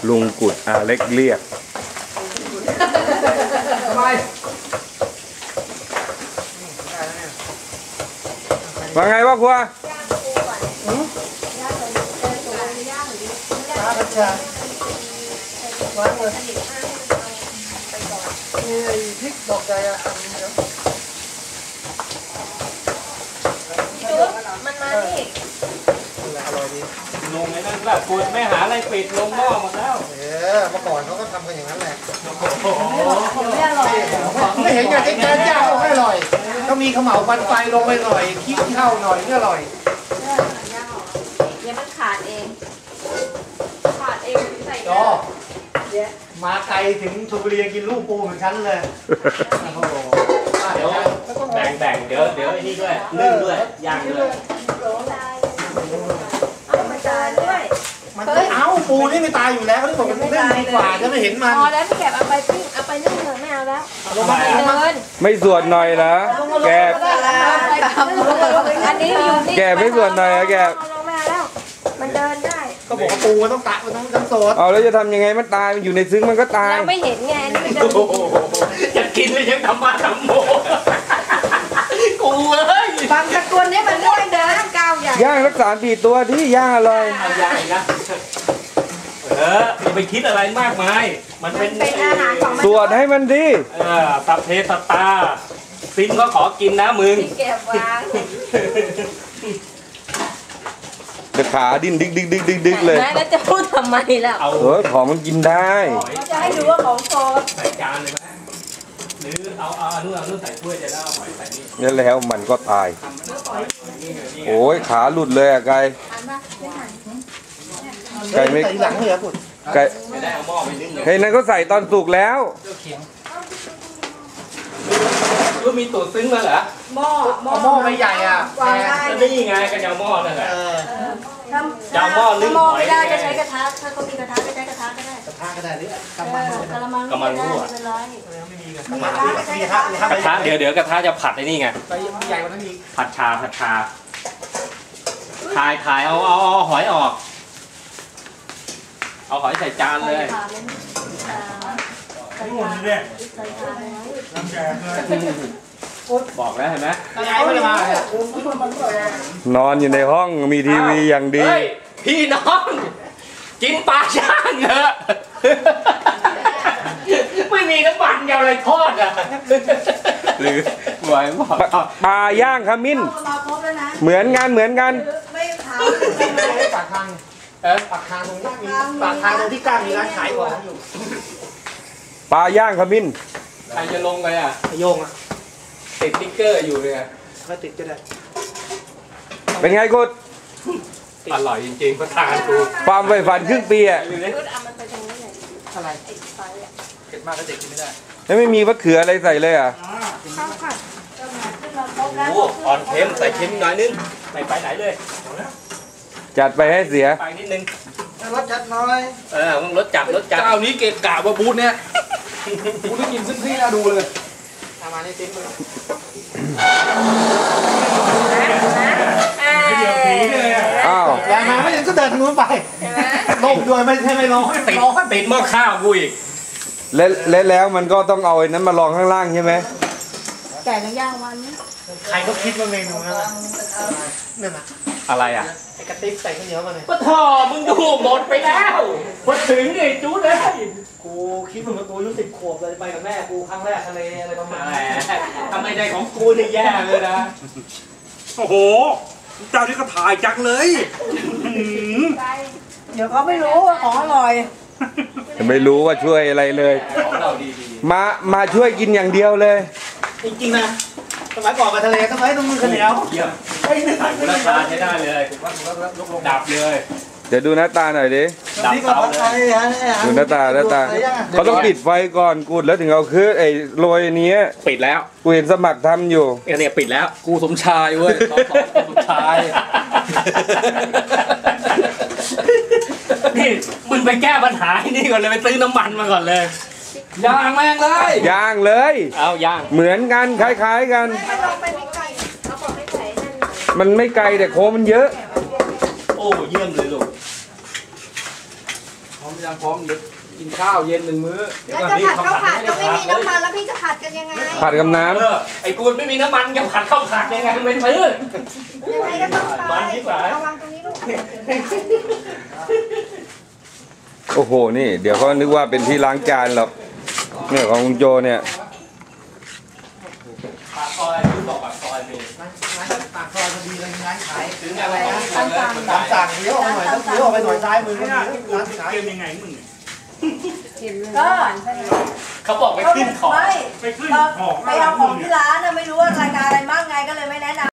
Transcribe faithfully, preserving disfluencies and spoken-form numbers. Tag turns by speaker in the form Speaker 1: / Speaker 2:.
Speaker 1: ลุงกุดอาเล็กเรียกว่าไงวะครัว
Speaker 2: วางเลยนี่พริกดอกใจอ่ะ
Speaker 3: มันมาดิ
Speaker 2: อร่อยดี
Speaker 4: ลงไอ้นั่นแบบปวดไม่หาอะไรปิดลงหม้อหมดแล้ว
Speaker 2: เออเมื่อก่อนเขาก็ทำกันอย่างนั้นแหละ
Speaker 3: ไม่อร่อย
Speaker 2: ไม่เห็นกันที่การย่างไม่อร่อยก็มีขมเหลาฟันไฟลงไปหน่อยขี้เท่าหน่อยนี่อร่อย
Speaker 3: เดี๋ยวมันขาดเองขาดเองใส่
Speaker 2: ก็มาไกลถึงชลบุรีกินลูกปูเหมือนฉันเลย
Speaker 4: เดี๋ยวแบ่งแบ่งเดี๋ยวเดี๋ยวไอ้นี่ด้วยนึ่งด้วยย่างด้วย
Speaker 3: เอามาจานด้วย
Speaker 2: มันเอ้าปูนี่ไม่ตายอยู่แล้วเขาที่บอกมันนึ่งดีกว่าจะไม่เห็นมัน
Speaker 3: พอแล้วพี่แกเอาไปปิ้งเอาไปนึ่งเถอะไม่เอาแล้ว
Speaker 2: ลงมาเดิน
Speaker 1: ไม่ส่วนหน่อยนะแก
Speaker 3: อันนี้อยู่นี่
Speaker 1: แกไม่ส่วนหน่อยนะแก
Speaker 3: ลงมาแล้วมันเดินได้
Speaker 2: ก็บอกว่าปูมันต้องตะมันต้องต้องสด
Speaker 1: เอาแล้วจะทำยังไงมันตายมันอยู่ในซึ้งมันก็ตาย
Speaker 3: เราไม่เห็นไงนี่มัน
Speaker 4: จะกินเลยยังทำมาทำโมกูเอ้ย
Speaker 3: บางตะกุนนี่มันไม่เดินก้าวใหญ่
Speaker 1: ย่างรักษาปีตัวที่ย่างอร่อย
Speaker 4: เอาย่างนะเอออย่าไปคิดอะไรมากมายมันเป็น
Speaker 3: อาหารของมัน
Speaker 1: สวดให้มันดี
Speaker 4: เออสัพเพสัตตาซิมก็ขอกินนะมึง
Speaker 3: เก็บวาง
Speaker 1: เดี๋ยวขาดิ้นดิ๊กดิ๊กดิ๊กดิ๊กดิ๊กเลย
Speaker 3: แล้วจะพูดทำไมล่ะ
Speaker 1: เออของมันกินได้
Speaker 3: จะให้ดูว่าของโซน
Speaker 4: ใส่จานเลยไหมหรือเอาเอาอันนู้นเอานู้นใส่ถ้วยจะได้เอาหอยใส่นี่
Speaker 1: นี่แล้วมันก็ตายโอ้ยขาหลุดเลยอะไก่ไก่ไม่
Speaker 2: หลังเหรอคุณ
Speaker 1: ไก่
Speaker 4: ไม่ได้เอาหม้อไปนึ่งเลย
Speaker 1: เฮ้ยนั่นก็ใส่ตอนสุกแล้ว
Speaker 4: ก็มีตูดซึ้งมาเหรอ
Speaker 3: หม้อ
Speaker 2: หม้อไม่ใหญ่อ่ะ
Speaker 4: นี่ไงกันยาวหม้อนั่นแหละ
Speaker 3: ยาวหม้อนึ่งหม้อไม่ได้ก็ใช้กระทะถ้าเขามีกระทะก็ใช้กระทะก็ได้
Speaker 2: กระทะก็ได้หรือกระ
Speaker 3: มังกระมังกระมังรั่ว
Speaker 2: ไม่มีกระทะมีกระทะ
Speaker 4: กระทะเดี๋ยวเดี๋ยวกระทะจะผัดไอ้นี่ไง
Speaker 2: ใหญ่กว่านั้นอีก
Speaker 4: ผัดชาผัดชาถ่ายถ่ายเอาเอาเอาหอยออกเอาหอยใส่จานเลยบอกแล้วเห็นไหม
Speaker 1: นอนอยู่ในห้องมีทีวีอย่างดี
Speaker 4: พี่น้องกินปลาย่างเถอะไม่มีน้ำมันยาวอะไรทอดอ่ะหรือไหวบอก
Speaker 1: ปลาย่างขมิ้นเหมือนกันเหมือนกัน
Speaker 2: ไม่ทำปากทางเออปากทางตรงนี้มีปากทางตรงที่กลางมีร้านขายของอยู่
Speaker 1: ปลาย่างขมิ้น
Speaker 4: ใครจะลงไปอ่ะ
Speaker 2: โยงอ่ะ
Speaker 4: ติดติ๊กเกอร์อยู่เลย
Speaker 2: ก็ติดก็ได้
Speaker 1: เป็นไงกุด
Speaker 4: อร่อยจริงๆประทานกู
Speaker 1: ความใฝ่ฝันครึ่งปีอ่ะ
Speaker 2: อะไรเผ็ดมากก็เด็กกินไม่ได้
Speaker 1: แล้วไม่มีมะเขืออะไรใส่เลยอ่ะ
Speaker 4: โอ้อ่อนเค็มใส่เค็มหน่อยนึงไม่ไปไหนเลย
Speaker 1: จัดไปให้เสีย
Speaker 4: ไปนิดนึง
Speaker 2: รสจัดน้อย
Speaker 4: เออมึงรสจัดรสจัด
Speaker 5: เจ้านี้เกะกะว่าบูธเนี่ยบูธที่กินซึ่งพี่น่าดูเลย
Speaker 2: ทำมาในติ้มเลย
Speaker 1: อ้าว
Speaker 2: อย่ามาไม่ยังก็เดินทางนู้นไปลงด้วยไม่ใช่ไม่ลง
Speaker 4: ติดติดหม้อข้าวกูอีก
Speaker 1: และและแล้วมันก็ต้องเอาไอ้นั้นมาลองข้างล่างใช่ไหม
Speaker 3: แก่ย่างวัน
Speaker 2: ใครก็คิดว่าเมนูนั่นแหละนั่นน่ะ
Speaker 4: อะไรอ่ะ
Speaker 2: ไอ้กระติ๊บใส่ข้าวเหนียวมาเลย
Speaker 4: ปะทอมึงดูหมดไปแล้วพอถึงนี่จู๊ดเลย
Speaker 2: กูคิดเหมือนกูอายุสิบขวบเลยไปกับแม่กูครั้งแรกทะเลอะไรประมาณนี้
Speaker 4: ทำไมใจของกูนี่แย่เลยนะ
Speaker 5: โอ้โหเจ้านี่ก็ถ่ายจังเลย
Speaker 3: เดี๋ยวเขาไม่รู้ว่าของอร่อย
Speaker 1: ไม่รู้ว่าช่วยอะไรเลยมามาช่วยกินอย่างเดียวเลย
Speaker 2: จริงๆนะสมัยก่อนมาทะเลต้องไว้ตรงมือข้าวเหนียว
Speaker 4: ไอ้นี่ราคาใช้ได้เลยดับเลย
Speaker 1: เดี๋ยวดูหน้าตาหน่อยดิ
Speaker 4: ดับเตาเลย
Speaker 1: ดูหน้าตาหน้าตาเขาต้องปิดไฟก่อนกูแล้วถึงเอาคือไอ้โรยนี้
Speaker 4: ปิดแล้ว
Speaker 1: กูเห็นสมัครทำอยู่
Speaker 4: เนี่ยปิดแล้ว
Speaker 5: กูสมชายเว้ยสมชาย
Speaker 4: นี่มึงไปแก้ปัญหาที่นี่ก่อนเลยไปซื้อน้ำมันมาก่อนเลย
Speaker 5: ย่างแม่งเลย
Speaker 1: ย่างเลย
Speaker 4: เอาย่าง
Speaker 1: เหมือนกันคล้ายๆกันมันไม่ไกลแต่โค้งมันเยอะ
Speaker 4: โอ้เยี่ยมเลยลูก
Speaker 5: ยังพร้อมเดี๋ยวกินข้าวเย็นหนึ่งมื้อ
Speaker 3: แล้วจะผัดข้าวผัดก็ไม่มีน้ำมันแล้วพี่จะผัดกันยังไง
Speaker 1: ผัดกับน้
Speaker 4: เออไอ้กูไม่มีน้ำมันจะผัดข้าวผัดยังไงเป็นพื้น
Speaker 3: ยังไงก็ต้องไป
Speaker 4: มันที่ไหน
Speaker 3: ระวังตรงนี้ลูก
Speaker 1: ำโอ้โหนี่ เดี๋ยวเขานึกว่าเป็นที่ล้างจานหรอกเนี่ยของคุณโจเนี่ย
Speaker 4: ปากซอยที่บอกปากซอยมี
Speaker 2: ปากซอยพอดีเลยร้านขาย
Speaker 4: ถึงอะไรก็ไม่ทำเลยมัน
Speaker 2: ตามสั่งเลี้ยวออกหน่อยต้องเลี้ยวออกไปหน่อยซ้ายมือร้านขาย
Speaker 6: เกมยังไงมึงเนี่ย
Speaker 3: ก็
Speaker 4: เขาบอกไปขึ้นของ
Speaker 3: ไม่
Speaker 6: ไปขึ้น
Speaker 3: เรา
Speaker 6: ของ
Speaker 3: ไปเอาของที่ร้านนะไม่รู้ว่ารายการอะไรบ้างไงก็เลยไม่แนะนำ